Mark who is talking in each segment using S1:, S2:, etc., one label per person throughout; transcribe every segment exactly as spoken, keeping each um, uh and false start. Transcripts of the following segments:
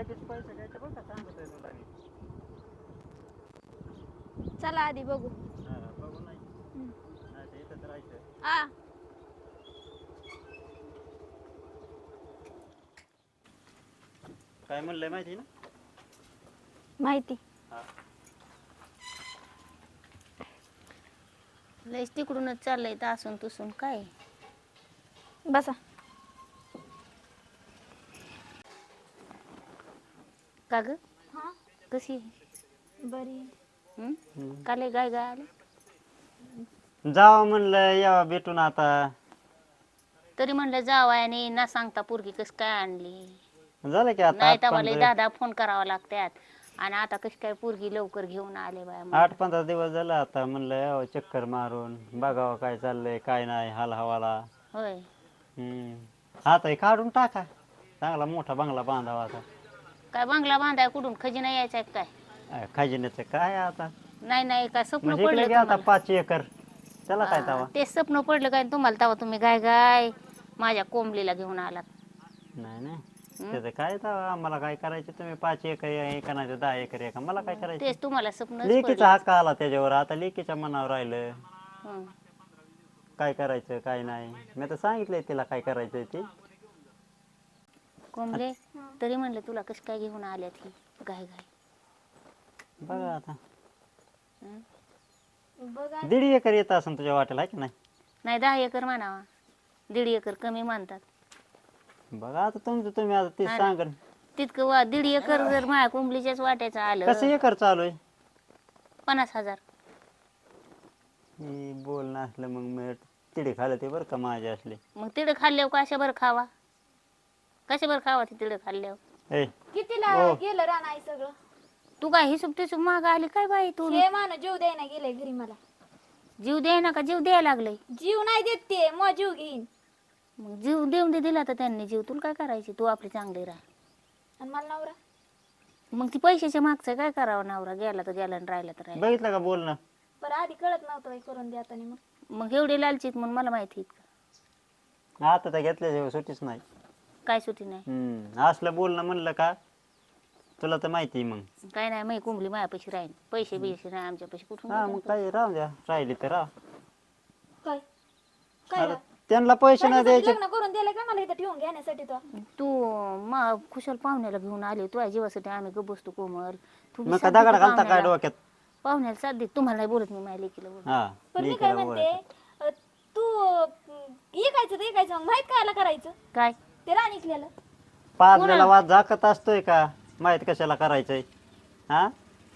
S1: लगेच पैसे घ्यायचे बरं का सांगतोय तुला मी.
S2: चला आधी बघू.
S1: हा, बघू नाही
S2: हम्म.
S1: नाही तर इथंच राहायचं.
S2: आ
S1: काय म्हणलंय माहिती ना?
S2: माहिती
S1: हा.
S3: लयच तिकडूनच चाललंय तासून तुसून काय.
S2: बसा.
S3: का ग
S2: हा
S3: कशी
S2: बरी.
S3: हम्म? का लय गाय गाय आली
S1: जावं म्हणलं यावं भेटून आता.
S3: तरी म्हणलं जावायने ना सांगता पोरगी कस काय आणली.
S1: झालं की आता
S3: नाही
S1: आठ
S3: तर मला
S1: पंधरा
S3: दहा दहा फोन करावा लागतात आणि आता कशी काय पोरगी लवकर घेऊन आले बाया म्हणलं.
S1: आठ पंधरा दिवस झालं आता म्हणलं यावं चक्कर मारून बघावं काय चाललंय काय नाही हाल हवाला.
S3: होय
S1: हम्म आता हे काढून टाका चांगला मोठा बंगला बांधावा आता.
S3: काय बंगला बांधाय कुठून खजिना यायचा आहे काय.
S1: अं, खजिन्याचं काय आता
S3: नाही नाही काय स्वप्न
S1: म्हणजे इकडे
S3: पडलं
S1: घ्या आता
S3: तुम्हाला.
S1: पाच एकर त्याला काय
S3: हा,
S1: तवा.
S3: ते स्वप्न पडलं काय तुम्हाला तवा तुम्ही गाय गाय माझ्या कोंबलीला घेऊन आलात.
S1: नाही नाही
S3: हं?
S1: त्याचं काय तवा आम्हाला काय करायचं तुम्ही पाच एकर एका नाही तर दहा एकर एका मला काय करायचं.
S3: तेच तुम्हाला स्वप्नच
S1: लेकीचा
S3: पडलं.
S1: हक्क आला त्याच्यावर आता लेकीच्या मनावर राहिलं
S3: हं.
S1: काय करायचं काय नाही. मी तर सांगितलंय तिला काय करायचंय ते.
S3: कोंबले तरी म्हणलं तुला कसं काय घेऊन आल्यात ही गाय गाय.
S1: बघा आता
S3: हं?
S2: बघा
S1: दीड एकर येत असेल तुझ्या वाटेला आहे की नाही.
S3: नाही दहा एकर म्हणावा दीड एकर कमी म्हणतात.
S1: बघा आता तुमचं तुम्ही आता ते
S3: हा ना.
S1: सांगा
S3: तितकं वा दीड एकर जर माझ्या कोंबलीच्याच वाट्याचं
S1: कसं
S3: आलं
S1: एकर चालू आहे.
S3: पन्नास हजार.
S1: मी बोलणं असलं मग मी तिडे खाल्लं ते बरं का माझे असले.
S3: मग तिडं खाल्ल्यावर कशा बरं खावा कशा बरं खावा ते तिडं खाल्ल्यावर.
S1: ए
S2: कितीला
S1: ओ.
S2: गेलं रान आहे सगळं.
S3: तू काय हिशोब टिशोब माग आली काय बाई तू.
S2: हे मान जीव द्यायला गेलंय घरी मला.
S3: जीव द्याय ना का जीव द्यायला लागलंय.
S2: जीव नाही देत ते मग जीव घेईन.
S3: मग जीव देऊन दे दिला तर त्यांनी जीव तुला काय करायची तू आपली चांगली राह.
S2: आणि मला नवरा
S3: मग ती पैशाच्या मागचं काय करावं नवरा गेला तर गेला आणि राहिला तर राहिला.
S1: बघितलं का बोलणं.
S2: बरं आधी कळत नव्हतं बाई करून द्या आता मग.
S3: मग एवढे लालचीत म्हणून मला माहिती आहेत का.
S1: आता तर घेतल्याशिवाय सुटीच नाही.
S3: काय सुटी नाही
S1: हम्म असलं बोलणं म्हणलं का तुला तर माहिती आहे मग.
S3: काय नाही मग कुंबली मायापाशी राहील पैसे बिशे नाही आमच्या पैसे कुठून
S1: हा मग काय राहू द्या राहिली तर राह.
S2: काय काय
S1: आता त्यांना पैसे नाही
S2: माझ्यासाठी
S1: द्यायचे.
S2: लग्न करून दिलं का मला इथं ठेवून घेण्यासाठी तो.
S3: तू मा खुशाल पाहुण्याला घेऊन आले तुझ्या जीवासाठी आम्ही ग बसतो कोमल तू बी
S1: मग का
S3: साथ दे
S1: दगड
S3: त्या
S1: घालता काय
S3: पाहुण्याला.
S1: डोक्यात.
S3: पाहुण्याला साथ दे तुम्हाला नाही बोलत मी माझ्या लेकीला बोलत.
S1: हा
S2: पण मी काय
S1: लेकीला
S2: म्हणते
S1: बोलायचं.
S2: अ, तू ऐकायचं ते ऐकायचं मग माहित कायला करायचं
S3: काय
S2: ते रान इकल्याला.
S1: पाजलेला वाद झाकत असतोय का माहित कशाला करायचंय. हा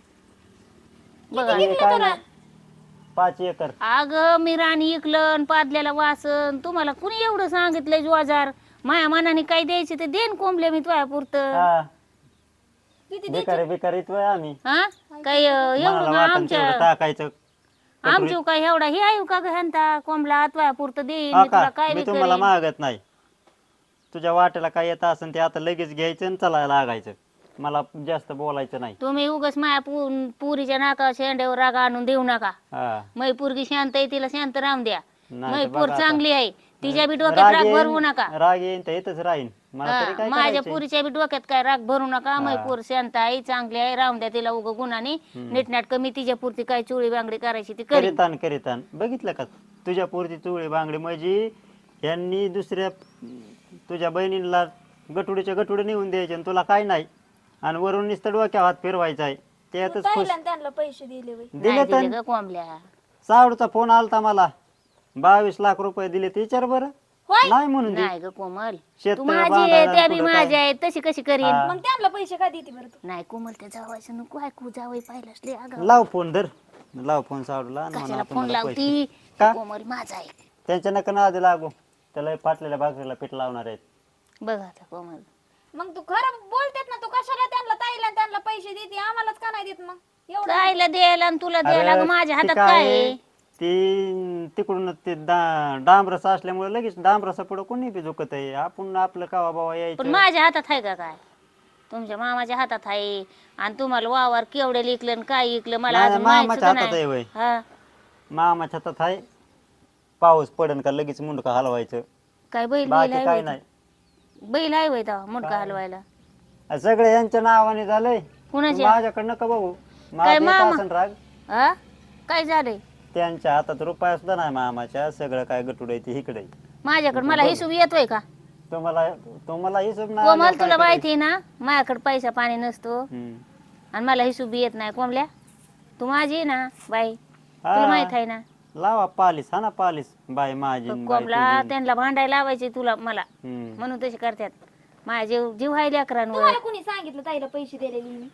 S3: बघा
S1: हे काय नाही. पाच एकर
S3: अग मी राणी इकलन पादल्याला वासन तुम्हाला कुणी एवढं सांगितलंय जुआजार माया मनाने काय द्यायचे ते देन कोंबले मी तुझ्या पुरतं.
S1: हा
S2: किती
S1: बेकारी बेकारी येतोय आम्ही.
S3: हा काय एवढं
S1: मला
S3: का
S1: वाटण
S3: आमच्या
S1: तेवढं टाकायचं.
S3: आमच्या काय एवढा हे आहे का घालता कोंबला तुझ्या पुरतं देईन
S1: हा
S3: मी तुला
S1: का
S3: काय
S1: मी
S3: बी
S1: तुम्हाला
S3: करीन.
S1: मागत नाही. तुझ्या वाट्याला काय येत असेल ते आता लगेच घ्यायचं आणि चालायला लागायचं. मला जास्त बोलायचं नाही.
S3: तुम्ही उगाच माया पु पुरीच्या नाका शेंड्यावर राग आणून देऊ नका.
S1: हा
S3: मै पोरगी शांत आहे तिला शांत राहून द्या.
S1: नाही
S3: मै
S1: तर
S3: पोर
S1: बघा आता.
S3: चांगली आहे तिच्या बी डोक्यात राग भरवू नका.
S1: राग येईन तर इथंच राहीन मला तरी
S3: हा,
S1: काय
S3: माझ्या
S1: करायचंय?
S3: पुरीच्या बी डोक्यात काय राग भरू नका मै
S1: हा.
S3: पोर शांत आहे चांगली आहे राहून द्या तिला उग गुणाने नीटनाटक मी तिच्या पुरती काय चोळी बांगडी करायची ती करीन.
S1: करीतान करीतान बघितलं का तुझ्या पुरती चुळी बांगडी म्हणजे यांनी दुसऱ्या तुझ्या बहिणीला गटुडीच्या गटुडे नेऊन द्यायचे आणि तुला काय नाही आणि वरून नुसतं डोक्या हात फिरवायचा आहे त्यातच खुश.
S2: ताईला आणि त्यांना पैसे दिले बाई.
S1: दिले
S3: नाही
S1: तर
S3: दिले ग कोंबल्या.
S1: सावडचा फोन आलता मला बावीस लाख रुपये दिले ते विचार बरं.
S2: होय?
S1: नाही म्हणून दे.
S3: नाही ग कोमल
S1: शेत
S3: तू माझी आहे
S1: बांधायला
S3: त्या बी
S1: कुठं काय?
S3: माझ्या आहे तशी कशी करीन.
S1: हा.
S2: मग त्यांना पैसे का देते बरं तू.
S3: नाही कोमल त्या जावायचं नको ऐकू जावई पाहिलंच लय अगं
S1: लाव फोन धर लाव फोन सावडला आणि म्हणा
S3: कशाला फोन
S1: तुम्हाला पैसे.
S3: लावती
S1: का?
S3: कोमल माझा आहे
S1: त्यांच्या नका नादी लागू त्याला फाटलेल्या भाकरीला पीठ लावणार आहेत.
S3: बघ आता कोमल.
S2: मग तू खरं बोलतेत ना तू कशाला त्यांना ताईला आणि त्यांना पैसे देते आम्हालाच का नाही देत मग एवढं.
S3: कायला द्यायला आणि तुला द्यायला
S1: अरे,
S3: ग माझ्या
S1: ती
S3: हातात
S1: काय
S3: काय
S1: आहे,
S3: आहे?
S1: ती तिकडून ते डा- डांबरस असल्यामुळे लगेच डांबरसा पुढे कोणी बी झुकत आहे. आपण आपलं कावा बावा
S3: पण
S1: यायचं.
S3: माझ्या हातात आहे का काय तुमच्या मामाच्या हातात आहे आणि तुम्हाला वावर केवढे लिकलं आणि काय इकलं मला
S1: नाही,
S3: अजून माहित
S1: मामाच्या
S3: सुद्धा
S1: हातात आहे
S3: नाही.
S1: वय.
S3: हा
S1: मामाच्या हातात आहे पाऊस पडन का लगेच मुंडका हलवायचं
S3: काय बैल बैल
S1: बाकी
S3: आहे
S1: काय
S3: होय
S1: नाही.
S3: ते? बैल आहे वय तेव्हा मुंडका हलवायला
S1: सगळे यांच्या नावाने झालंय
S3: कुणाच्या?
S1: माझ्याकडनं का बघू
S3: काय
S1: माझा येत
S3: मामा?
S1: असेल राग
S3: हा काय झालंय
S1: त्यांच्या हातात रुपया सुद्धा नाही मामाच्या सगळं काय गटुड आहे ते इकडे
S3: माझ्याकडे मला हिशोब येतोय का
S1: तुम्हाला तुम्हाला हिशोब नाही
S3: कोमल
S1: आल्यावर
S3: तुला
S1: काय
S3: माहिती आहे ना माझ्याकडे पैसा पाणी नसतो
S1: करायचं? हम्म.
S3: आणि मला हिशोब येत नाही कोंबल्या तू माझी आहे ना बाई तुला
S1: हा.
S3: माहित आहे ना
S1: लावा पालीस हा ना पालीस बाय माझी न बाय
S3: कोंबला
S1: तुझी.
S3: त्यांना भांडायला लावायचे तुला मला
S1: हम्म.
S3: म्हणून तसे करतात माझ्या जीव जीव आहे लेकरांवर
S2: तुम्हाला कुणी सांगितलं ताईला पैसे दिलेले मी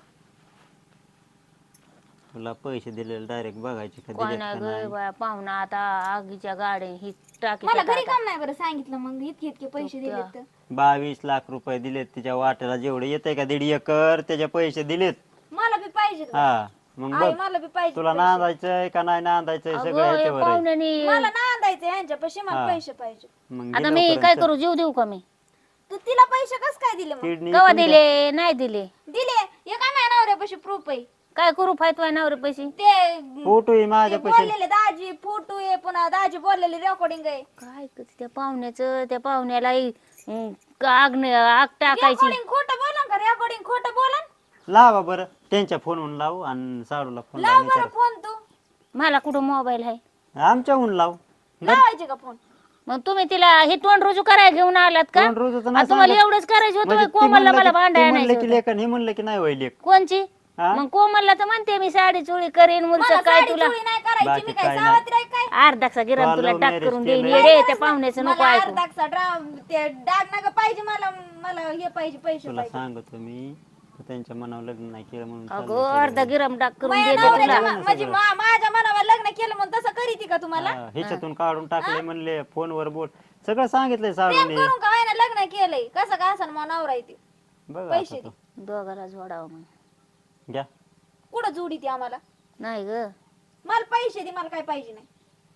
S1: तुला पैसे दिलेले डायरेक्ट बघायचे का
S3: कोण
S1: दिलेत
S3: नाही
S1: का
S3: ग
S1: नाही?
S3: बाया पाहुणा आता आगीच्या गाडी ही टाकी
S2: मला घरी काम नाही बरं सांगितलं मग इतके इतके पैसे दिले तर
S1: बावीस लाख रुपये दिलेत तिच्या वाट्याला जेवढे येते का दीड एकर त्याचे पैसे दिलेत
S2: मला बी पाहिजे
S1: हा मग
S2: आई
S1: बघ
S2: मला बी पाहिजे
S1: तुला नांदायचंय का नाही नांदायचंय सगळं
S3: अगं, या
S1: ह्याच्यावर आहे.
S3: पाहुण्यानी
S2: मला नांदायचं यांच्यापाशी मला
S1: हा.
S2: पैसे पाहिजे
S1: मग
S3: आता
S1: दे
S3: मी
S1: लवकर
S3: काय
S1: चल.
S3: करू जीव देऊ का मी
S2: तू तिला पैसे कस काय दिले मग
S1: किडनी
S3: कवा
S1: तुझ्या-
S3: दिले नाही दिले
S2: दिले हे काय माझ्या नवऱ्यापाशी प्रूफ आहे
S3: काय करू फायतोय नवरे पैसे
S2: ते
S1: फोटो आहे
S2: ते
S1: माझ्या पैसे
S2: बोललेले दाजी फोटो आहे पुन्हा दाजी बोललेली रेकॉर्डिंग आहे
S3: काय ग त्या पाहुण्याचं त्या पाहुण्याला अं, आग न- आग टाकायची
S2: रेकॉर्डिंग खोटं बोला का रेकॉर्डिंग खोटं बोला
S1: लावा बरं त्यांच्या फोनहून लाव आणि साडूला फोन
S2: लाव
S1: लाव
S2: बरं
S1: विचार.
S2: फोन तू
S3: मला कुठं मोबाईल आहे
S1: आमच्याहून लाव
S2: लावायचे का फोन
S3: मग तुम्ही तिला हे तोंड रुजू करायला घेऊन आलात का
S1: दोन रोजचं
S3: आ,
S1: नाही
S3: तुम्हाला
S1: सांगत.
S3: एवढंच करायचं होतं
S1: म्हणजे
S3: बाई,
S1: ती
S3: कोमलला
S1: म्हणलं
S3: मला
S1: की-
S3: भांडाय
S1: ती म्हणलं
S3: आणायचं
S1: की
S3: होतं.
S1: लेखन हे म्हणलं की नाही वय लेख
S3: कोणची
S1: हा?
S3: मग कोमलला तर म्हणते मी साडी चोळी करीन मुलचं
S2: मला
S3: काय
S2: साडी
S3: तुला
S2: चोळी नाही करायची
S1: बाकी
S2: मी काय
S1: काय नाही.
S2: सावत्र आहे काय
S3: अर्धाचा गिराम
S1: तुला
S3: तुला
S1: love
S3: टाक
S1: marriage
S3: करून देईन
S1: केलंय.
S3: येडे त्या पाहुण्याचं नको
S2: मला
S3: ऐकू
S2: अर्धाचा ड्राम ते डाग नका पाहिजे मला मला हे पाहिजे पैसे
S1: तुला
S2: पाहिजे
S1: सांगतो मी तू त्यांच्या मनावर लग्न नाही केलं म्हणून
S3: अगो
S1: चाललंय
S3: अर्धा गिराम टाक करून
S2: माझ्या
S3: देते
S2: नवऱ्याच्या
S3: तुला
S2: मा- म्हणजे मा- माझ्या मनावर लग्न केलं म्हणून तसं करीती का तुम्हाला
S1: सगळं. हा, ह्याच्यातून काढून टाकले म्हणले फोनवर बोल सगळं सांगितलंय
S2: प्रेम
S1: साडूने
S2: करून का ना लग्न केलंय कसं का असं मग नवरा येते
S1: बघ
S2: पैसे
S1: आता तू.
S3: दोघाला जोडावं मग
S1: घ्या
S2: कुठं जोडी ती आम्हाला
S3: नाही ग
S2: मला पैसे दे मला काय पाहिजे नाही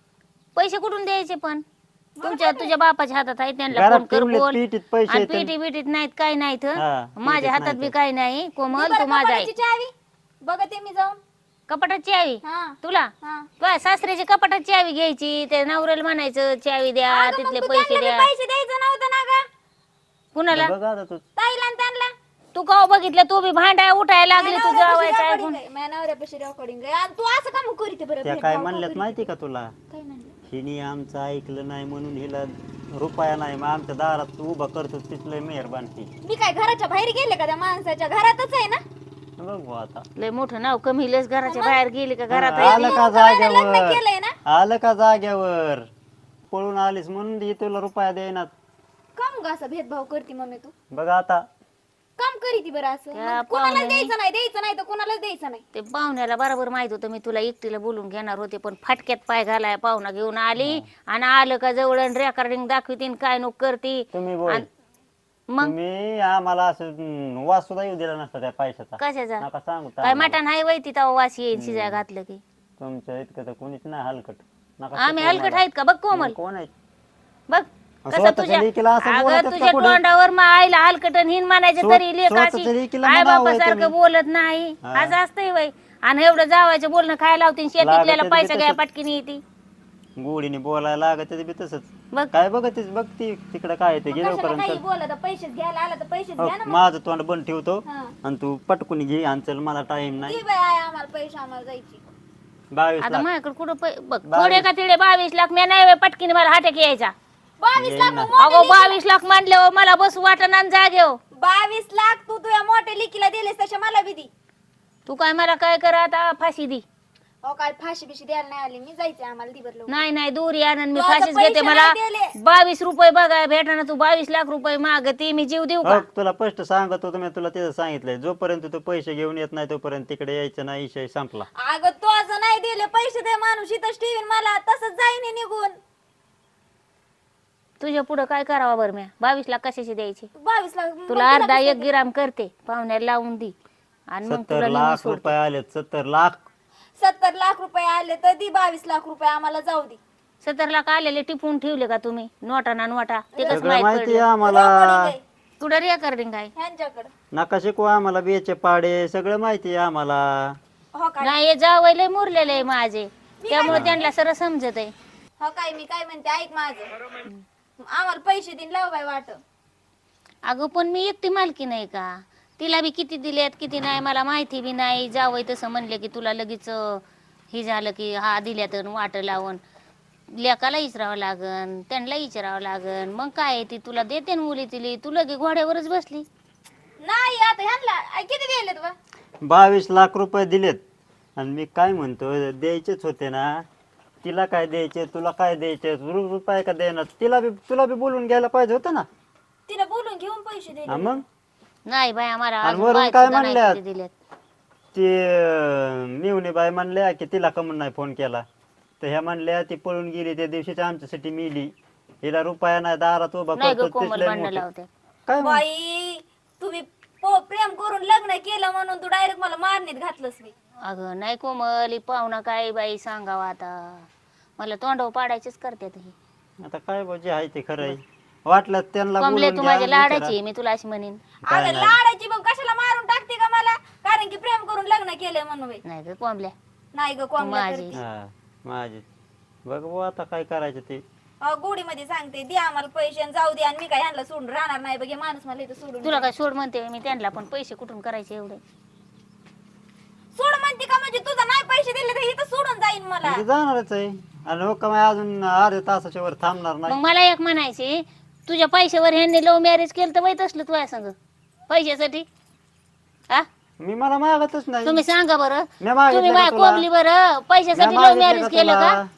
S3: पैसे कुठून द्यायचे पण तुमच्या तुझ्या बापाच्या हातात आहे त्यांना
S1: घरात
S3: फोन कर
S1: ठेवलेत
S3: बोल
S1: पिठीत पैसे
S3: आणि
S1: आहेत.
S3: पिटी बिटीत नाहीत काय नाहीत
S1: हा,
S3: माझ्या
S1: पिठीत
S3: हातात
S1: नाहीत.
S3: बी काय नाही कोमल
S2: बरं,
S3: तू माझा आहे
S2: कपाटाची चावी बघते मी जाऊन
S3: कपाटाची चावी
S2: हा
S3: तुला
S2: हा
S3: तुझ्या सासऱ्याची कपाटाची चावी घ्यायची त्या नवऱ्याला म्हणायचं चावी द्या
S2: अगं, मग
S3: तिथले
S2: तू
S3: पैसे
S2: त्यांना
S3: द्या
S2: बी पैसे द्यायचं नव्हतं ना का
S3: कुणाला
S1: बघ आता तू
S2: ताईला आणि त्यांना
S3: तू का बघितलं तू बी भांडाय उठायला लागली तू जावायचं ऐकून
S2: माझ्या नवऱ्यापाशी रेकॉर्डिंग आहे आणि तू असं का मग करीत बरं
S1: त्या
S2: भेदभाव
S1: काय
S2: का
S1: म्हणल्यात
S2: करीत?
S1: माहिती का तुला
S2: काय म्हणलं
S1: हिने आमचं ऐकलं नाही म्हणून हिला रुपया नाही मग आमच्या दारात उभा करतो तिथलं मेहरबान ती
S2: मी काय घराच्या बाहेर गेले का त्या माणसाच्या घरातच आहे ना
S1: बघ बुवा आता
S3: लय मोठं नाव कमी लस घराच्या बाहेर गेली का घरात
S1: हा, आलं का
S2: लग्न
S1: जाग्यावर
S2: केलंय ना
S1: आलं का जाग्यावर पळून आलीस म्हणून ही तुला रुपया देईनात
S2: काम ग असं भेदभाव करते मम्मी तू
S1: बघ आता
S2: काम करीती बरं असं
S3: त्या
S2: मग कोणाला
S3: पाहुण्याने-
S2: द्यायचं नाही द्यायचं नाही तर कोणालाच द्यायचं नाही
S3: ते पाहुण्याला बरोबर माहित होतं मी तुला एकटीला बोलून घेणार होते पण फाटक्यात पाय घालाय पाहुणा घेऊन आली आणि आलं का जवळ रेकॉर्डिंग दाखवतीन काय नको करती
S1: तुम्ही बोल
S3: आणि मग
S1: तुम्ही आम्हाला असं हम्म, वास सुद्धा येऊ दिला नसता त्या पैशाचा
S3: कशाचा
S1: नका सांगू
S3: काय
S1: आम्हाला.
S3: मटण आहे वैती तेव्हा वास येईन शिजाय घातलं की
S1: तुमच्या इतकं तर कोणीच नाही हलकट नका
S3: आम्ही
S1: शिकवू
S3: हलकट
S1: मला.
S3: आहेत का बघ कोमल
S1: कोण आहेत
S3: बघ
S1: असं
S3: कसं
S1: स्वतःच्या
S3: तुझ्या
S1: लेकीला असं
S3: अगं
S1: बोलतच का
S3: तुझ्या
S1: पुढं?
S3: तोंडावर मग आईला हलकटन हिन म्हणायचं
S1: स्व-
S3: तरी लेकाची
S1: स्वतःच्या लेकीला
S3: आई
S1: म्हणावं
S3: बापा
S1: हे
S3: सारखं
S1: तुम्ही.
S3: बोलत नाही
S1: हा.
S3: आज असतंय वय आणि एवढं जावायचं बोलणं खायला लावतील शेतीतल्याला
S1: लागतं ते
S3: पैसा घ्या
S1: तसंच.
S3: पटकीने येते
S1: गोडीने बोलायला लागत ते बी तसंच
S3: बघ
S1: काय बघतीस बघ ती तिकडं काय ते गेलो
S2: कशाला काही
S1: पर्यंत
S2: बोलत पैसे घ्यायला आला तर पैसे घ्या ना मग.
S1: माझं तोंड बंद ठेवतो
S2: हा.
S1: आणि तू पटकून घे आणि चल मला टाइम नाही
S2: दे बाई आई आम्हाला पैसे आम्हाला जायची
S1: बावीस
S3: आता
S1: लाख
S3: माझ्याकडे कुठं पै- बघ
S1: बावीस.
S3: थोडे का तिडे बावीस लाख मी नाही पटकीने मला हाटक यायचा
S2: बावीस लाख
S1: येईना.
S2: मग मोठ्या
S3: अगो बावीस लाख मांडल्यावर मला बस वाटणार जागेव
S2: लेकी- बावीस लाख तू तुझ्या मोठ्या लिकीला दिलेस तसे मला बी दी
S3: तू काय मला काय कर आता फाशी दी
S2: अहो काय फाशी बिशी द्यायला नाही आली मी जायचंय आम्हाला दी बरं
S3: नाही नाही दूर आणून मी
S2: तू आता
S3: फाशीच
S2: पैसे
S3: घेते मला
S2: नाही दिले.
S3: बावीस रुपये बघाय भेटणार तू बावीस लाख रुपये मागते मी जीव देऊ का
S1: हो तुला स्पष्ट सांगत होतो मी तुला तिथं सांगितलंय जोपर्यंत तू पैसे घेऊन येत नाही तोपर्यंत तिकडे यायचं नाही विषय संपला
S2: अगं तो असं नाही दिले पैसे दे माणूस इथंच ठेवीन मला तसंच जाईन हे निघून
S3: तुझ्या पुढे काय करावं बरं मी बावीस लाख कशाचे द्यायचे
S2: बावीस लाख मग
S3: तुला अर्धा
S2: कसं
S3: एक गिराम करते पाहुण्याला लावून दे आणि मग
S1: सत्तर
S3: तुला नेऊन
S1: लाख
S3: सोडते.
S1: रुपये आलेत सत्तर लाख
S2: सत्तर लाख रुपये आले तर दी बावीस लाख रुपये आम्हाला जाऊ दे
S3: सत्तर लाख आलेले टिपून ठेवले का तुम्ही नोटा ना नोटा ते कसं
S1: सगळं
S3: माहित
S1: माहिती आहे
S3: पडलं
S1: आम्हाला
S3: कुठं रेकॉर्डिंग आहे
S2: ह्यांच्याकडे
S1: नका शिकू आम्हाला बेचे पाडे सगळं माहिती आहे आम्हाला
S2: हो काय
S3: नाही हे जावयले मुरलेले आहे माझे त्यामुळे त्यांना सरळ समजत आहे
S2: हो काय मी काय म्हणते ऐक माझं आम्हाला पैसे देईन लाव बाई वाट
S3: अगं पण मी एकटी मालकी नाही का तिला बी किती दिलेत किती नाही मला माहिती बी नाही. जावई तसं म्हणले की तुला लगेच अं, हे झालं की हा दिल्या तर वाट लावून लेकाला विचारावं लागन त्यांना विचारावं लागन. मग काय आहे ती तुला देते ना मुली तिली तू लगे घोड्यावरच बसली.
S2: नाही आता ह्यांना आई किती दिलेत बा?
S1: बावीस लाख रुपये दिलेत आणि मी काय म्हणतो द्यायचेच होते ना. तिला काय द्यायचे तुला काय द्यायचे रु- रुपये का देणार तिला बी तुला बी बोलून घ्यायला पाहिजे होतं ना.
S2: तिला बोलून घेऊन पैसे दिले.
S1: हा मग
S3: नाही बाय आम्हाला
S1: आणि
S3: अजून
S1: वरून
S3: बाई
S1: काय
S3: सुद्धा नाही
S1: म्हणल्यात?
S3: किती दिलेत.
S1: ते मिवणी बाई म्हणल्या की तिला कमून नाही फोन केला तर ह्या म्हणल्या ती पळून गेली त्या दिवशीच आमच्यासाठी मिली. हिला रुपया नाही दारात उभा
S3: नाही ग
S1: करतो
S3: कोमल
S1: तिथलंय
S3: भांडणं
S1: मोठं.
S3: लावते.
S1: काय म्हण-
S2: बाई तुम्ही पो- प्रेम करून लग्न केलं म्हणून तू डायरेक्ट मला मारणीत घातलंस मी.
S3: अगं नाही कोमल ही पाहुणा काय बाई सांगावं आता मला तोंडावर पाडायचीच करते ही.
S1: आता काय बा जे आहे ते खरं आहे. वाटलं त्यांना
S3: कमले
S1: बोलून
S3: तू
S1: घ्या,
S3: माझ्या लाडाची
S1: विचारा.
S3: आहे, मी तुला अशी म्हणेन.
S1: काय
S2: अगं
S1: नाही.
S2: लाडाची मग कशाला मारून टाकते का मला? कारण की प्रेम करून लग्न केलंय म्हणून बाई.
S3: नाही ग कोंबल्या
S2: नाही ग कोण
S3: माझी.
S1: हा माझे बघ बुवा आता काय करायचं ते.
S2: गोडी मध्ये सांगते दे आम्हाला पैसे आणि जाऊ दे आणि मी काय ह्यांना सोडून राहणार नाही बघ हे माणूस मला इथं सोडून
S3: तुला काय सोड म्हणते मी त्यांना पण पैसे कुठून करायचे एवढे.
S2: सोड म्हणते का म्हणजे तुझा नाही पैसे दिले तर इथं सोडून जाईन मला.
S1: म्हणजे जाणारच आहे आणि हो का माय अजून अर्ध्या तासाच्या वर थांबणार
S3: मग
S1: नाही.
S3: मला एक म्हणायचे तुझ्या पैशावर ह्यांनी लव्ह मॅरेज केलं तर वाईट असलं तुझ्या संग पैशासाठी. हा
S1: मी मला मागतच नाही.
S3: तुम्ही सांगा बरं
S1: मी मागितलं
S3: तुम्ही
S1: का
S3: माझ्या
S1: तुला?
S3: कोंबली बरं पैशासाठी
S1: मी
S3: लव्ह
S1: मागितलं
S3: मॅरेज
S1: का
S3: केलं
S1: तुला?
S3: का?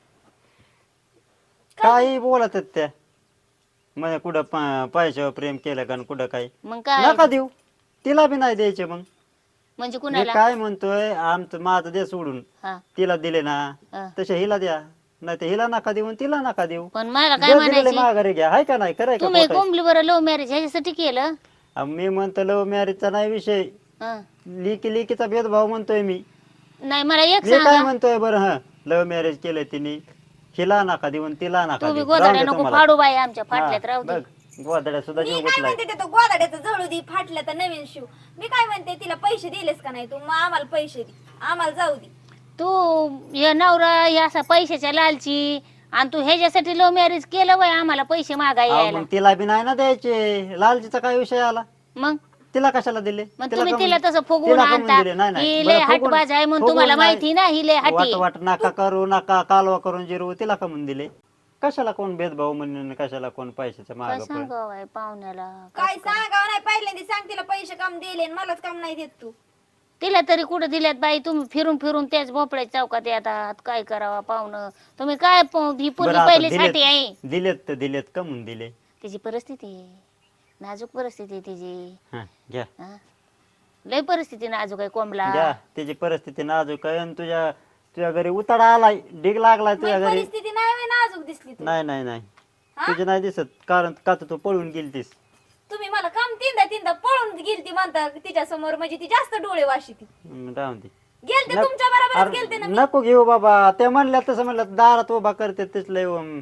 S1: काही बोलत आहेत त्या म्हणजे कुठं प- पैशावर प्रेम केलं का आणि कुठं काय
S3: मग काय
S1: नका देऊ तिला बी नाही द्यायचे. मग
S3: म्हणजे
S1: मी
S3: कुणाला
S1: काय म्हणतोय आमचं माझं दे सोडून
S3: हा
S1: तिला दिले ना
S3: हा.
S1: तसे हिला द्या नाही तर हिला नका देऊ आणि तिला नका देऊ.
S3: पण मला काय
S1: जे दिलेले
S3: म्हणायचे
S1: माघारी घ्या हाय का नाही कराय का
S3: तुम्ही
S1: खोटं आहे?
S3: कोंबली बरं लव्ह मॅरेज ह्याच्यासाठी केलं.
S1: अहो, मी म्हणतो लव्ह मॅरेजचा नाही विषय
S3: हा.
S1: लिकी लिकीचा भेदभाव म्हणतोय मी.
S3: नाही मला एक
S1: मी काय
S3: सांगा
S1: म्हणतोय बरं हा लव्ह मॅरेज केलंय तिने हिला नका देऊ आणि तिला नका
S3: तुम्ही
S1: देऊ.
S3: गोदाड्या
S1: राहू दे
S3: नको
S1: तुम्हाला.
S3: फाडू बाई आमच्या
S1: हा,
S3: फाटल्यात राहू दे.
S1: बघ, गोदाड्या सुद्धा
S2: मी
S1: जीव
S2: काय
S1: गुतलाय.
S2: म्हणते ते तो गोदाड्याचं जळू दे फाटलं तर नवीन शिव. मी काय म्हणते तिला पैसे दिलेस का नाही तू मग आम्हाला पैसे दे आम्हाला जाऊ दे.
S3: तू हे नवरा हे असा पैशाच्या लालची आणि तू ह्याच्यासाठी लव्ह मॅरेज केलं वय आम्हाला पैसे मागाय
S1: अहो,
S3: यायला.
S1: मग तिला बी नाही ना द्यायचे लालजीचा काय विषय आला
S3: मग
S1: तिला कशाला दिले
S3: मग
S1: तिला
S3: तुम्ही
S1: कमून-
S3: तिला तसं फुगवून
S1: तिला कमून
S3: आणता
S1: दिले? नाही, नाही.
S3: ही
S1: बरं,
S3: लय
S1: फुगवून-
S3: हटबाज आहे म्हणून
S1: फुगवून
S3: तुम्हाला
S1: नाही.
S3: माहिती ना ही लय
S1: वाट
S3: हटी.
S1: वाट नका करू नका कालवा करून जिरवू तिला कमून दिले. कशाला कोण भेदभाव म्हणून कशाला कोण पैशाच्या
S3: काय
S1: माग पण
S3: सांगावं बाई पाहुण्याला.
S2: काय सांगावं नाही पहिल्यांदा सांग तिला पैसे कम दिले आणि मलाच कम नाही देत तू.
S3: तिला तरी कुठं दिल्यात बाई तुम्ही फिरून फिरून त्याच भोपळ्या चौकात येतात काय करावा पाहुणं तुम्ही काय प- ही
S1: बरं,
S3: पूर्वी
S1: आता
S3: पहिली
S1: दिलेत-
S3: साठी आहे.
S1: दिलेत तर दिलेत कमून दिले.
S3: तिची परिस्थिती आहे नाजूक परिस्थिती आहे तिची.
S1: हा, घ्या
S3: हा? लय परिस्थिती नाजूक आहे कोंबला.
S1: घ्या त्याची परिस्थिती नाजूक आहे आणि तुझ्या तुझ्या घरी उताडा आलाय डिग लागलाय तुझ्या
S2: माझी
S1: घरी.
S2: परिस्थिती नाही होय नाजूक दिसली तू.
S1: नाही नाही नाही
S2: हा?
S1: तुझी नाही दिसत कारण का तर तू पळून गेलतीस.
S2: तुम्ही मला कम तीनदा तीनदा पळून गेलती म्हणता तिच्या समोर म्हणजे ती जास्त डोळे वाशी ती
S1: हम्म, राहून दे.
S2: गेलते
S1: नक-
S2: तुमच्या बरोबरच
S1: अरे,
S2: गेलते ना मी.
S1: नको घेऊ बाबा ते म्हणल्या तसं म्हणलं दारात उभा करते तेच लय अं,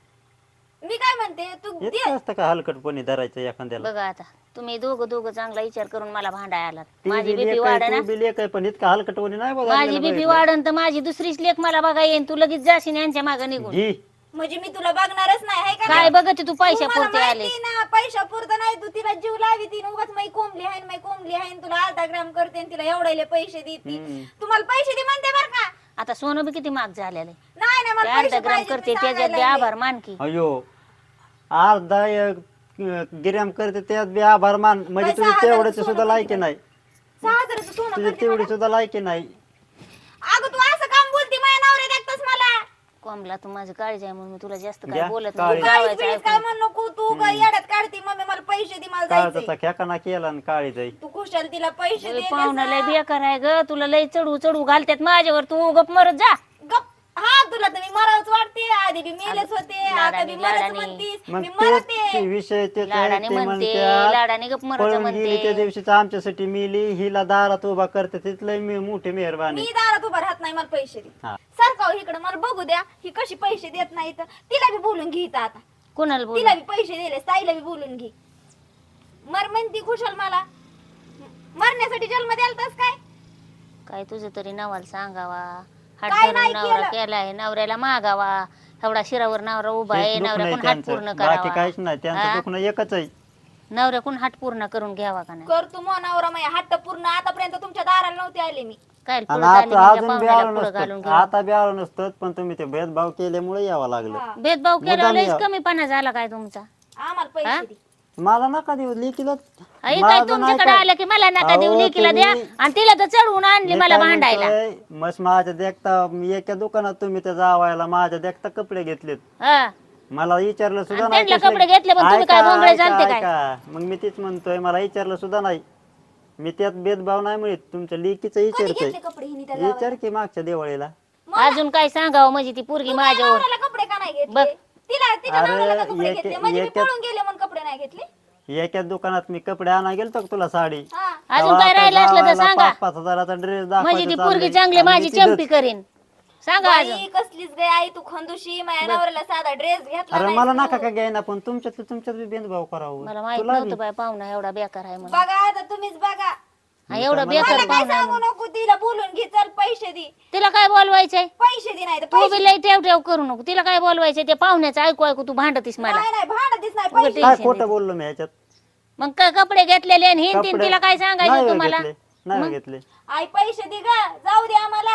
S2: मी काय म्हणते तू दे.
S1: इतकं असतं का हलकटपणी धरायचं एखाद्याला.
S3: बघा आता तुम्ही दोघं दोघं चांगला विचार करून मला भांडाय आलात.
S1: ती
S3: माझी
S1: बी
S3: बीपी
S1: लेक आहे,
S3: वाढ
S1: तू बी लेक आहे, पण इतका हलकटपणी नाही बघा
S3: माझी बीपी वाढन तर माझी दुसरीच लेख मला बघा येईन तू लगेच जाशील यांच्या मागे निघून.
S1: घे
S2: म्हणजे मी तुला बघणारच नाही हाय का
S3: काय
S2: नाही?
S3: बघत तू पैशा
S2: तू मला
S3: पुरते आले.
S2: माहिती ना पैशा पुरतं नाही तू तिला जीव लावी ती उगाच मै कोंबली आहे मै कोंबली आहे तुला अर्धा ग्राम करते आणि तिला एवढ्याले पैसे देते.
S1: हम्म.
S2: तुम्हाला पैसे दे म्हणते बर का?
S3: आता सोनं बी किती महाग झालेलं आहे.
S2: नाही ना
S3: ते
S2: मला
S3: अर्धा
S2: पैसे
S3: ग्राम
S2: पाहिजे
S3: करते
S2: मी
S3: त्याच्यात
S2: सांगायला
S3: बी
S2: लागले.
S3: आभार मानकी.
S1: अयो अर्धा एक, अं, गिर्याम करते त्यात बी आभार मान म्हणजे
S2: पैसा
S1: तुझी
S2: हजाराचं
S1: तेवढ्याची
S2: सोनं
S1: सुद्धा
S2: करते
S1: लायकी
S2: बाई.
S1: नाही
S2: सहा हजाराचं सोनं
S1: तुझी
S2: करते
S1: तेवढी
S2: मला.
S1: सुद्धा लायकी नाही.
S2: अगं तू असं काम बोलती माझ्या नवऱ्या देखतच मला.
S3: कोंबला तू माझी काळजी आहे म्हणून मी तुला जास्त
S1: घ्या,
S3: काय बोलत
S1: काळजी.
S3: नाही.
S2: काळीच
S3: जावायचं
S2: बिळीच काय
S3: ऐकून.
S2: म्हणू नको तू काय येड्यात काढती मम्मी मला पैसे दे मला जायचंय.
S1: काळजाचा खेकाना केला आणि काळी जाई.
S2: तू खुशाल तिला पैसे
S3: लय
S2: दे
S3: पाहुणा लय बेकार आहे ग तुला लय चढू चढू घालतात माझ्यावर तू गप मरत जा.
S2: गप हा तुला तर मी मरावच वाटते आधी बी मेलेच होते आता बी
S3: लाडाने,
S2: मरच
S3: लाडाने.
S2: म्हणतीस
S1: मग
S2: मी
S1: तेच
S2: मरते.
S1: ते विषय तेच आहे,
S3: लाडाने
S1: ते
S3: म्हणते
S1: म्हणत्यात,
S3: लाडाने गप मरत
S1: पळून गेली त्या
S3: म्हणते.
S1: दिवशीच आमच्यासाठी मिली हिला दारात उभा करते तिथलं मी मोठी मेहरबानी.
S2: मी दारात उभा राहत नाही मला पैसे दे
S1: हा.
S2: सारखं इकडे मला बघू द्या ही कशी पैसे देत नाही तर तिला बी बोलून घे इथं आता
S3: कोणाला बोल
S2: तिला बी पैसे दिले ताईला बी बोलून घे मर म्हणती खुशाल मला मरण्यासाठी जन्म द्यालतास काय
S3: काय तुझं तरी नवाला सांगावा हात
S2: काय
S3: धरून
S2: नाही
S3: नवरा
S2: केलं.
S3: केलाय नवऱ्याला मागावा एवढा शिरावर नवरा उभा आहे
S1: तेच दुखणं आहे
S3: नवऱ्याकडून हात
S1: त्यांचं.
S3: पूर्ण
S1: बाकी
S3: करावा.
S1: काहीच नाही त्यांचं
S3: हा?
S1: दुखणं एकच आहे
S3: नवऱ्याकडून हाट पूर्ण करून घ्यावा का नाही
S2: कर तू मनावर माझ्या हट्ट पूर्ण. आतापर्यंत तुमच्या दाराला नव्हते आले मी.
S3: काय
S1: आणि
S3: पुढं आली
S1: आता
S3: म्हणजे
S1: अजून बी
S3: पाहुण्याला
S1: आलो
S3: पुढं घालून
S1: नसतं,
S3: घ्यावं.
S1: आता बी आलो नसतं, पण तुम्ही ते भेदभाव केल्यामुळे यावं लागलं.
S2: हा.
S3: भेदभाव केला
S1: मुद्दाम
S3: लयच
S1: या.
S3: कमीपणा झाला काय तुमचा.
S2: आम्हाला पैसे दे.
S1: मला नका देऊ लेकीला.
S3: आई काय
S1: माझं नाही
S3: तुमच्याकडे
S1: काय.
S3: आलं की मला नका देऊ
S1: अहो,
S3: लेकीला द्या
S1: तुम्ही-
S3: आणि तिला तर चढवून आणली
S1: मी
S3: मला
S1: काय
S3: भांडायला.
S1: म्हणतोय, मस्त माझ्या देखता मी एका दुकानात तुम्ही त्या जावायला माझ्या देखता कपडे घेतलेत.
S3: हा.
S1: मला विचारलं सुद्धा
S3: आणि
S1: नाही
S3: त्यांना
S1: कसले-
S3: कपडे घेतले, पण तुम्ही काय
S1: ऐका,
S3: भोंगळे
S1: ऐका,
S3: झालते काय?
S1: ऐका. मग मी तेच म्हणतोय, मला विचारलं सुद्धा नाही. मी त्यात भेदभाव नाही म्हणत, तुमच्या लेकीचं
S2: कधी
S1: विचारतोय.
S2: घेतले कपडे हिने त्या जावाला?
S1: विचार की मागच्या दिवाळीला.
S3: अजून काय सांगावं म्हणजे ती पोरगी
S2: तू माझ्या
S3: माझ्यावर.
S2: नवऱ्याला कपडे का नाही
S3: बघ.
S2: घेतले? तिला तिच्या
S1: अरे,
S2: नवऱ्याला का कपडे
S1: एक-
S2: घेतले? म्हणजे मी
S1: एक-
S2: पळून गेले म्हणून कपडे नाही घेतले?
S1: एका दुकानात मी कपडे आणा गेलतो का तुला साडी.
S2: हा.
S3: अजून काय राहिलं असलं तर सांगा.
S1: पाच पाच हजाराचा ड्रेस
S3: म्हणजे ती पोरगी चांगली माझी चंपी करीन. सांगा अजून.
S2: बाई, कसलीच गे आई तू खंदुशी. माझ्या नवऱ्याला साधा ड्रेस घेतला
S1: अरे
S2: नाही
S1: मला
S2: तू.
S1: नका का घ्यायना, पण तुमच्यात तुमच्यात बी भेदभाव करावं.
S3: मला माहित
S1: तुला
S3: नव्हतं बाय पाहुणा एवढा बेकार आहे म्हणून.
S2: बघा आता तुम्हीच बघा.
S3: हा, एवढा
S2: मला
S3: बेकार
S2: काय
S3: पाहुणा आहे
S2: सांगू
S3: म्हणून.
S2: नको. तिला बोलून घे, चल पैसे दे.
S3: तिला काय बोलवायचंय.
S2: पैसे दे नाही तर
S3: तू
S2: पैसे
S3: बी लई ठेव ठेव करू नको. तिला काय बोलवायचंय ते पाहुण्याचं ऐकू ऐकू तू भांडतीस मला.
S2: नाही नाही भांडतीच नाही
S3: उगाच
S2: पैसे.
S1: काय
S3: टेन्शन
S1: खोटं
S3: देते.
S1: बोललो मी ह्याच्यात.
S3: मग काय कपडे घेतलेले आणि हिंदीन
S1: कपडे-
S3: तिला काय
S1: नाही
S3: सांगायचं
S1: हो
S3: तुम्हाला.
S1: घेतले, नाही हो घेतले.
S2: आई पैसे दे ग, जाऊ दे आम्हाला.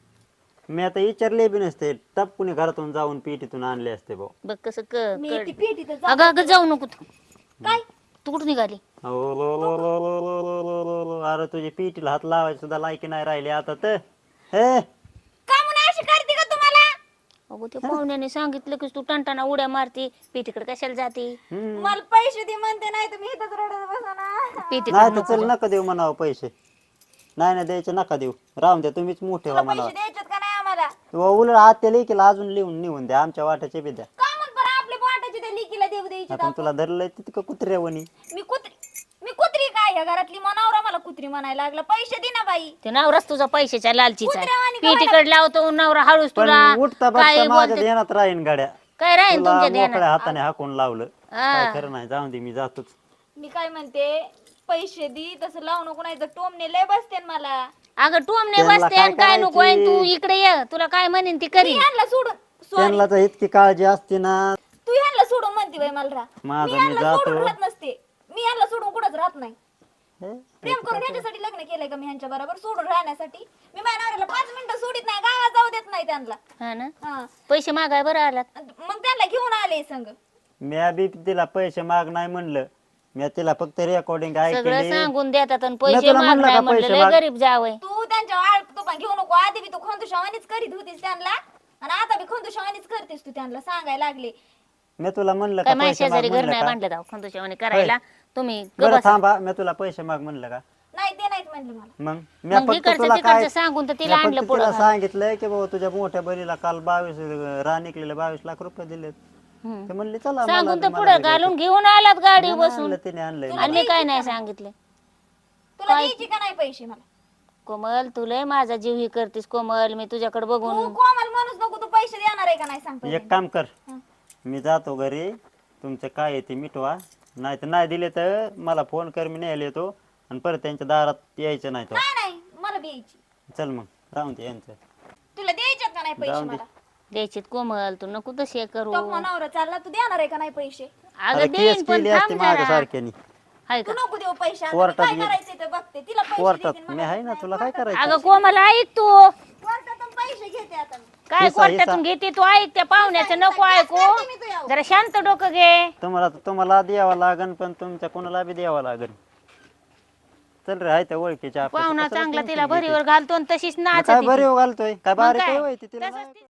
S1: मी आता विचारले बी नसते, टपकुनी घरातून जाऊन पेटीतून आणले असते भाऊ.
S3: बघ कसं क-
S2: मी
S3: कळ-
S2: ती पेटीत
S3: अगं अगं जाऊ नको तू.
S2: काय
S3: तू कुठं निघाली.
S1: ओ लो लो लो लो लो लो लो लो लो. अरे तुझी पेटीला हात लावायची सुद्धा लायकी नाही राहिली आता तर. हे
S2: का म्हणून अशी करते का तुम्हाला?
S3: अगो ते पाहुण्याने सांगितलं की तू टणटणा उड्या मारती पेटीकडे कशाला जाते.
S1: हम्म.
S2: मला पैसे दे म्हणते, नाही तुम्ही इथंच रडत बसा ना.
S3: पेटीकडे
S1: नाही तर
S3: नको
S1: चल
S3: जा.
S1: नका देऊ म्हणावं पैसे. नाही नाही द्यायचे नका देऊ, राहून द्या, तुम्हीच मोठे
S2: तुला
S1: व्हा
S2: पैसे
S1: म्हणावं.
S2: द्यायचेत का नाही आम्हाला?
S1: व उलट आत्या लेकीला अजून लिहून निघून द्या, आमच्या वाट्याचे बी द्या.
S2: का म्हण बरं आपल्या पोटाची त्या लिकीला देऊ द्यायची
S1: आपण तुला धरलंय तितकं कुत्र्यावणी.
S2: मी कुत्री मी कुत्री काय या घरातली मनावरा मला कुत्री म्हणायला लागला. पैसे दे ना बाई.
S3: ते नवराच तुझा पैशाच्या लालचीचा आहे.
S2: कुत्र्यावानी
S3: पेटीकडे लावतो नवरा हळूच
S1: पण
S3: तुला
S1: उठता
S3: काय
S1: बघता माझ्या
S3: बोलते
S1: ध्यानात राहीन गाड्या.
S3: काय राहील
S1: तुला
S3: तुमच्या
S1: मोकळ्या
S3: ध्यानात.
S1: हाताने हाकून लावलं.
S3: हा.
S1: काय खरं नाही, जाऊन दे, मी जातोच.
S2: मी काय म्हणते, पैसे दे तसं लावू नको, नाही तर टोमने लय बसते मला.
S3: अगं टोमने
S1: त्यांना
S3: बसते
S1: काय
S3: आणि काय नको आहे, तू
S1: करायची?
S3: इकडे ये तुला काय म्हणेन ती
S2: मी
S3: करी.
S2: ह्यांना सोडून सॉरी
S1: त्यांना तर इतकी काळजी असते ना.
S2: तू ह्यांना सोडून म्हणते बाई मला राह.
S1: माझं
S2: मी
S1: मी
S2: ह्यांना सोडून
S1: जातो.
S2: राहत नसते. मी ह्यांना सोडून कुठंच राहत नाही.
S1: हे?
S2: प्रेम करून ह्याच्यासाठी लग्न केलंय का मी ह्यांच्या बरोबर सोडून राहण्यासाठी? मी माझ्या नवऱ्याला पाच मिनिटं सोडित नाही, गावात जाऊ देत नाही त्यांना.
S3: हा ना
S2: हा.
S3: पैसे मागाय बरं आलात.
S2: मग त्यांना घेऊन आले संग.
S1: मी बी तिला पैसे माग नाही म्हणलं, मी तिला फक्त रेकॉर्डिंग
S3: सगळं
S1: ऐकली.
S3: सांगून देतात आणि
S1: मी
S3: पैसे
S1: तुला
S3: माग
S1: म्हणलं
S3: नाही
S1: का
S3: म्हणलं
S1: पैसे
S3: लय
S1: माग?
S3: गरीब जावय.
S2: तू त्यांच्या आळ तुपा घेऊ नको. आधी बी तू खंदुशावानीच करीत होतीस त्यांना आणि आता बी खंदुशावानीच करतेस तू त्यांना सांगायला लागले.
S1: मी तुला म्हणलं
S3: काय
S1: का
S3: माझ्या
S1: पैसे माग
S3: शेजारी घर
S1: म्हणलं
S3: नाही
S1: का?
S3: बांधलं जाऊ खंदोशावाने करायला. तुम्ही
S1: बरं
S3: गबस.
S1: थांबा, मी तुला पैसे माग म्हणलं का?
S2: नाही ते नाहीत म्हणले मला.
S1: मग मी
S3: मग
S1: फक्त
S3: इकडचं
S1: तुला
S3: तिकडचं
S1: काय
S3: सांगून तर
S1: मी
S3: तिला
S1: फक्त
S3: आणलं
S1: तिला
S3: पुढं.
S1: सांगितलंय की बाबा तुझ्या मोठ्या बहिणीला काल बावीस रा निघलेले बावीस लाख रुपये दिलेत.
S3: हम्म.
S1: ते म्हणले चला मला
S3: सांगून
S1: बी-
S3: तर
S1: मला
S3: पुढे
S1: बी
S3: घालून
S1: द्यायचं.
S3: घेऊन आलात गाडी
S1: नाही
S3: बसून
S1: आणलं, तिने आणलंय.
S3: आणि मी काय नाही सांगितलं.
S2: तुला द्यायची का नाही पैसे मला?
S3: कोमल तुला माझा जीव ही करतीस कोमल. मी तुझ्याकडे
S2: तू
S3: बघून
S2: कोमल माणूस नको. तू पैसे देणार आहे का नाही सांग पहिले.
S1: एक काम कर,
S2: हं.
S1: मी जातो घरी, तुमचं काय आहे ते मिटवा. नाही तर नाही दिले तर मला फोन कर, मी न्यायला येतो आणि परत त्यांच्या दारात यायचं नाही तो.
S2: नाही नाही मला द्यायची.
S1: चल मग राहून दे यांचं.
S2: तुला द्यायच्यात का नाही पैसे
S1: जाऊन दे.
S2: मला?
S3: द्यायचीत कोमल. तू नको तसे करू.
S2: तो नवरा चालला, तू देणार आहे का नाही पैसे?
S1: अरे
S3: अगं
S1: केस
S3: देईन पण
S1: केली असते
S3: थांब
S1: माझ्या
S3: जरा.
S1: सारख्यानी.
S3: हाय
S2: तू
S3: का
S2: नको देऊ पैसे. आता मी
S1: कोर्टात
S2: काय
S1: गे-
S2: करायचं ते बघते. तिला पैसे
S1: कोर्टात
S2: देतील,
S1: मी
S2: मला
S1: आहे ना,
S2: नाही.
S1: तुला काय करायचं?
S3: अगं कोमल ऐक तू.
S2: कोर्टातून पैसे घेते आता मी.
S3: काय
S1: हिसा-
S3: कोर्टातून घेते तू. ऐक त्या पाहुण्याचं नको ऐकू.
S2: करते मी तुझ्यावर.
S3: जरा शांत डोकं घे.
S1: तुम्हाला तुम्हाला द्यावं लागन, पण तुमच्या कोणाला बी द्यावं लागन. चल रे, आहे त्या ओळखीच्या आपल्या.
S3: पाहुणा
S1: कशाला
S3: चांगला
S1: tension
S3: तिला
S1: घेते?
S3: भरीवर घालतो आणि तशीच
S1: मग काय
S3: नाचती ती.
S1: बरे घालतोय काय
S3: मग
S1: बारीक
S3: काय?
S1: आहे होय ती, तिला
S3: तसंच
S1: नाही-
S3: ती-